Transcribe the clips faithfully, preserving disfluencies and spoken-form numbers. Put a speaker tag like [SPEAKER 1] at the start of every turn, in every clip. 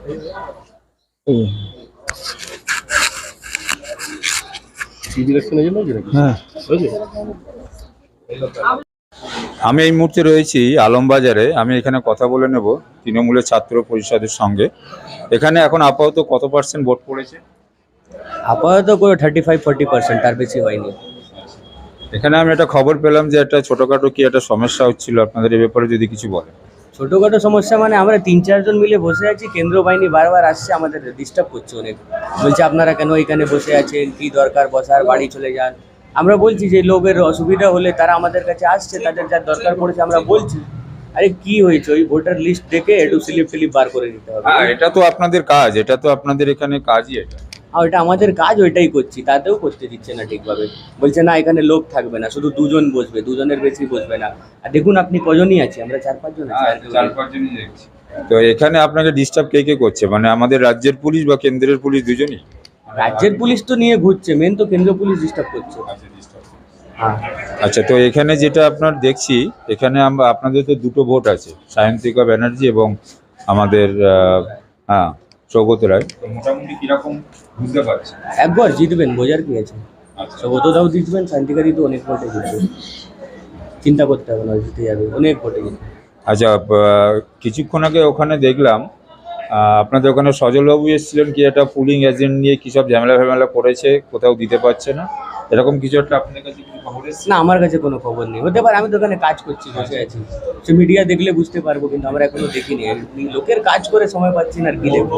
[SPEAKER 1] আমি এই মুহূর্তে রয়েছি আলমবাজারে। আমি এখানে কথা বলে নেব তৃণমূলের ছাত্র পরিষদের সঙ্গে। এখানে এখন আপাতত কত পার্সেন্ট ভোট পড়েছে?
[SPEAKER 2] আপাতত করে থার্টি ফাইভ ফোর্টি পার্সেন্ট, তার বেশি হয়নি।
[SPEAKER 1] এখানে আমি একটা খবর পেলাম যে একটা ছোটখাটো কি একটা সমস্যা হচ্ছিল, আপনাদের এই ব্যাপারে যদি কিছু বলেন।
[SPEAKER 2] ছোটোখাটো সমস্যা মানে আমরা তিন চারজন মিলে বসে আছি, কেন্দ্র বাহিনী বারবার আসছে, আমাদের ডিস্টার্ব করছে অনেক। বলছে আপনারা কেন এখানে বসে আছেন, কি দরকার বসার, বাড়ি চলে যান। আমরা বলছি যে লোকের অসুবিধা হলে তারা আমাদের কাছে আসছে, তাদের যা দরকার পড়েছে আমরা বলছি। আরে কি হয়েছে, ওই ভোটার লিস্ট দেখে একটু স্লিপ ফিলিপ বার করে দিতে হবে।
[SPEAKER 1] হ্যাঁ, এটা তো আপনাদের কাজ, এটা তো আপনাদের এখানে কাজই এটা।
[SPEAKER 2] হ্যাঁ, ওইটা আমাদের কাজ, ওইটাই করছি, তাতেও করতে দিচ্ছে না ঠিকভাবে। বলছে না এখানে লোক থাকবে না, শুধু দুজন বসবে, দুজনের বেশি বসবে না। আর দেখুন আপনি কজনই আছে, আমরা চার পাঁচজন আছি। আর
[SPEAKER 1] চার পাঁচজনই দেখছি। তো এখানে আপনাকে ডিস্টার্ব কে কে করছে, মানে আমাদের রাজ্যের পুলিশ বা কেন্দ্রের পুলিশ দুজনই?
[SPEAKER 2] রাজ্যের পুলিশ তো নিয়ে ঘুরছে, মেন তো কেন্দ্রীয় পুলিশ ডিস্টার্ব করছে।
[SPEAKER 1] আচ্ছা, তো এখানে যেটা আপনার দেখছি, এখানে আমরা আপনাদের তো দুটো ভোট আছে, সায়ন্তিকা ব্যানার্জি এবং আমাদের হ্যাঁ সৌগত রায়। তো মোটামুটি কিরকম বুঝতে পারছি?
[SPEAKER 2] একবার জিতবেন, বোঝার কি আছে। সৌগতরাও জিতবেন, শান্তিকারী তো অনেক ভোটে জিতবে, চিন্তা করতে হবে না, জিতে যাবে, অনেক ভোটে জিতবে।
[SPEAKER 1] আচ্ছা, কিছুক্ষণ আগে ওখানে দেখলাম আপনাদের ওখানে সজলবাবু এসেছিলেন, কি একটা পুলিং এজেন্ট নিয়ে কী সব ঝামেলা ফ্যামেলা করেছে, কোথাও দিতে পারছে না, এরকম কিছু একটা আপনাদের কাছে খবর এসেছে?
[SPEAKER 2] না, আমার কাছে কোনো খবর নেই। হতে পারে, আমি তো ওখানে কাজ করছি, বসে আছি, সে মিডিয়া দেখলে বুঝতে পারবো, কিন্তু আমরা এখনো দেখিনি। লোকের কাজ করে সময় পাচ্ছি না, আর কি দেখবো।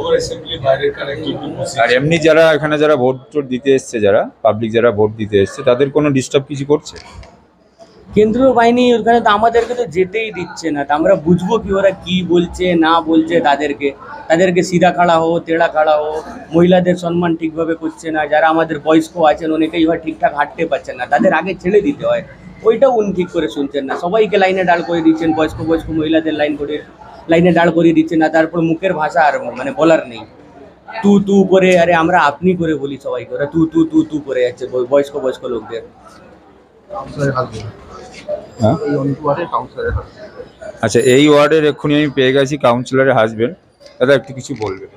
[SPEAKER 1] আর এমনি যারা এখানে যারা ভোট টোট দিতে এসছে, যারা পাবলিক যারা ভোট দিতে এসছে, তাদের কোনো ডিস্টার্ব কিছু করছে?
[SPEAKER 2] কেন্দ্রীয় বাহিনী ওখানে তো আমাদেরকে তো যেতেই দিচ্ছে না, তা আমরা বুঝবো কি ওরা কি বলছে না বলছে। তাদেরকে তাদেরকে সিধা খাড়া হো, তেড়া খাড়া হো, মহিলাদের সম্মান ঠিকভাবে করছে না। যারা আমাদের বয়স্ক আছেন অনেকেই হয় ঠিকঠাক হাঁটতে পারছেন না, তাদের আগে ছেড়ে দিতে হয়, ওইটাও উনি ঠিক করে শুনছেন না। সবাইকে লাইনে দাঁড় করে দিচ্ছেন, বয়স্ক বয়স্ক মহিলাদের লাইন করে লাইনে দাঁড় করিয়ে দিচ্ছেন না। তারপর মুখের ভাষা আর মানে বলার নেই, তু তু করে, আরে আমরা আপনি করে বলি সবাইকে, ওরা তু তু তু তু করে যাচ্ছে বয়স্ক বয়স্ক লোকদের।
[SPEAKER 1] আচ্ছা, এই ওয়ার্ডের এক্ষুনি আমি পেয়ে গেছি কাউন্সিলরের হাজবেন্ড। দাদা একটু কিছু বলবেন?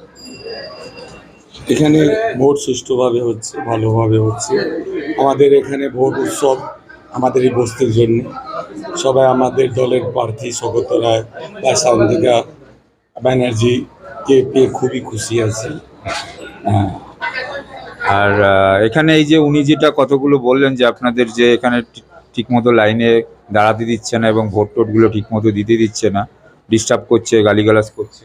[SPEAKER 3] এখানে ভোট সুষ্ঠুভাবে হচ্ছে, ভালোভাবে হচ্ছে। আমাদের এখানে ভোট উৎসব আমাদের এই বস্তির জন্য। সবাই আমাদের দলের প্রার্থী সৌগত রায় বা শান্তিকা ব্যানার্জিকে পেয়ে খুবই খুশি আছি।
[SPEAKER 1] হ্যাঁ, আর এখানে এই যে উনি যেটা কতগুলো বললেন যে আপনাদের যে এখানে ঠিকমতো লাইনে দাঁড়াতে দিচ্ছে না এবং ভোট টোটগুলো ঠিকমতো দিতে দিচ্ছে না, ডিস্টার্ব করছে, গালিগালাজ করছে,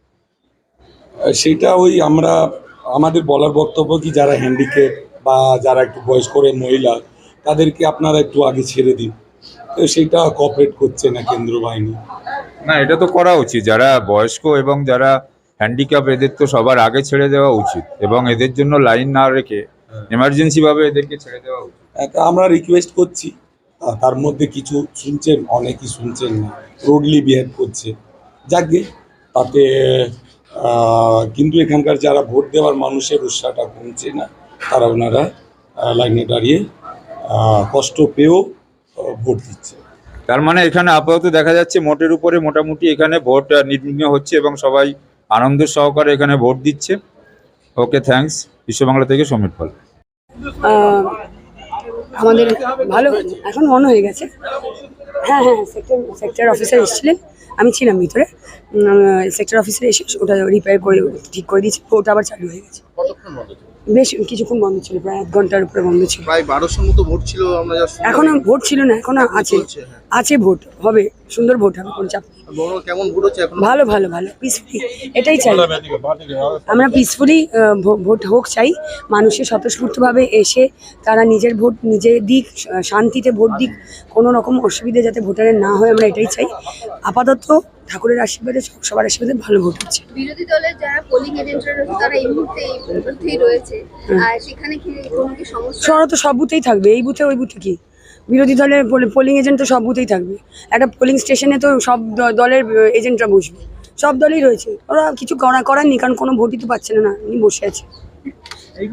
[SPEAKER 3] সেটা ওই আমরা আমাদের বলার বক্তব্য কি, যারা হ্যান্ডিক্যাপ বা যারা একটু বয়স্ক মহিলা, তাদেরকে আপনারা একটু আগে ছেড়ে দিন। তো সেটা কোঅপারেট করছে না কেন্দ্র বাহিনী।
[SPEAKER 1] না, এটা তো করা উচিত, যারা বয়স্ক এবং যারা হ্যান্ডিক্যাপ এদের তো সবার আগে ছেড়ে দেওয়া উচিত, এবং এদের জন্য লাইন না রেখে এমার্জেন্সি ভাবে এদেরকে ছেড়ে দেওয়া উচিত।
[SPEAKER 3] আমরা রিকোয়েস্ট করছি, তার মধ্যে কিছু শুনছেন, অনেকেই শুনছেন না, রোডলি বিহেভ করছে, যাকে তাতে কিন্তু এখানকার যারা ভোট দেওয়ার মানুষের উৎসাহটা কমছে না, তারা ওনারা লাইনে দাঁড়িয়ে কষ্ট পেয়েও ভোট দিচ্ছে।
[SPEAKER 1] তার মানে এখানে আপাতত দেখা যাচ্ছে মোটের উপরে মোটামুটি এখানে ভোট নির্বিঘ্ন হচ্ছে এবং সবাই আনন্দ সহকারে এখানে ভোট দিচ্ছে। ওকে, থ্যাঙ্কস। বিশ্ববাংলা থেকে সমীর পাল।
[SPEAKER 4] আমাদের ভালো, এখন মনে হয়ে গেছে। হ্যাঁ হ্যাঁ সেক্টর সেক্টর অফিসার এসেছিলেন, আমি ছিলাম ভিতরে। সেক্টর অফিসার এসে ওটা রিপেয়ার করে ঠিক করে দিয়েছি, ওটা আবার চালু হয়ে গেছে। বেশ কিছুক্ষণ বন্ধ ছিল, প্রায় এক ঘন্টার উপরে বন্ধ ছিল।
[SPEAKER 5] প্রায় বারোশোর মতো ভোট ছিল। আমরা
[SPEAKER 4] এখনো ভোট ছিল না, এখনো আছে, আছে ভোট হবে, সুন্দর ভোট হবে, কোনো চাপ।
[SPEAKER 5] কেমন ভোট হচ্ছে এখন?
[SPEAKER 4] ভালো ভালো ভালো পিসফুলি, এটাই চাই আমরা, পিসফুলি ভোট হোক চাই। মানুষের স্বতঃস্ফূর্তভাবে এসে তারা নিজের ভোট নিজে দিক, শান্তিতে ভোট দিক, কোনো রকম অসুবিধা যাতে ভোটারের না হয়, আমরা এটাই চাই। আপাতত ঠাকুরের আশীর্বাদে, সবার আশীর্বাদে ভালো ভোট হচ্ছে।
[SPEAKER 6] বিরোধী দলের যারা পোলিং এজেন্টরা রয়েছে তারা এই মুহূর্তে এই বুথেই রয়েছে, আর সেখানে কি কোনো কি সমস্যা?
[SPEAKER 4] শহর তো সব বুথেই থাকবে, এই বুথে ওই বুথে কি, বিরোধী দলের পোলিং এজেন্ট তো সব বুথেই থাকবে। একটা পোলিং স্টেশনে তো সব দলের এজেন্টরা বসবে, সব দলই রয়েছে, ওরা কিছু করা করার নেই, কারণ কোনো ভোটই তো পাচ্ছে না, না বসে আছে।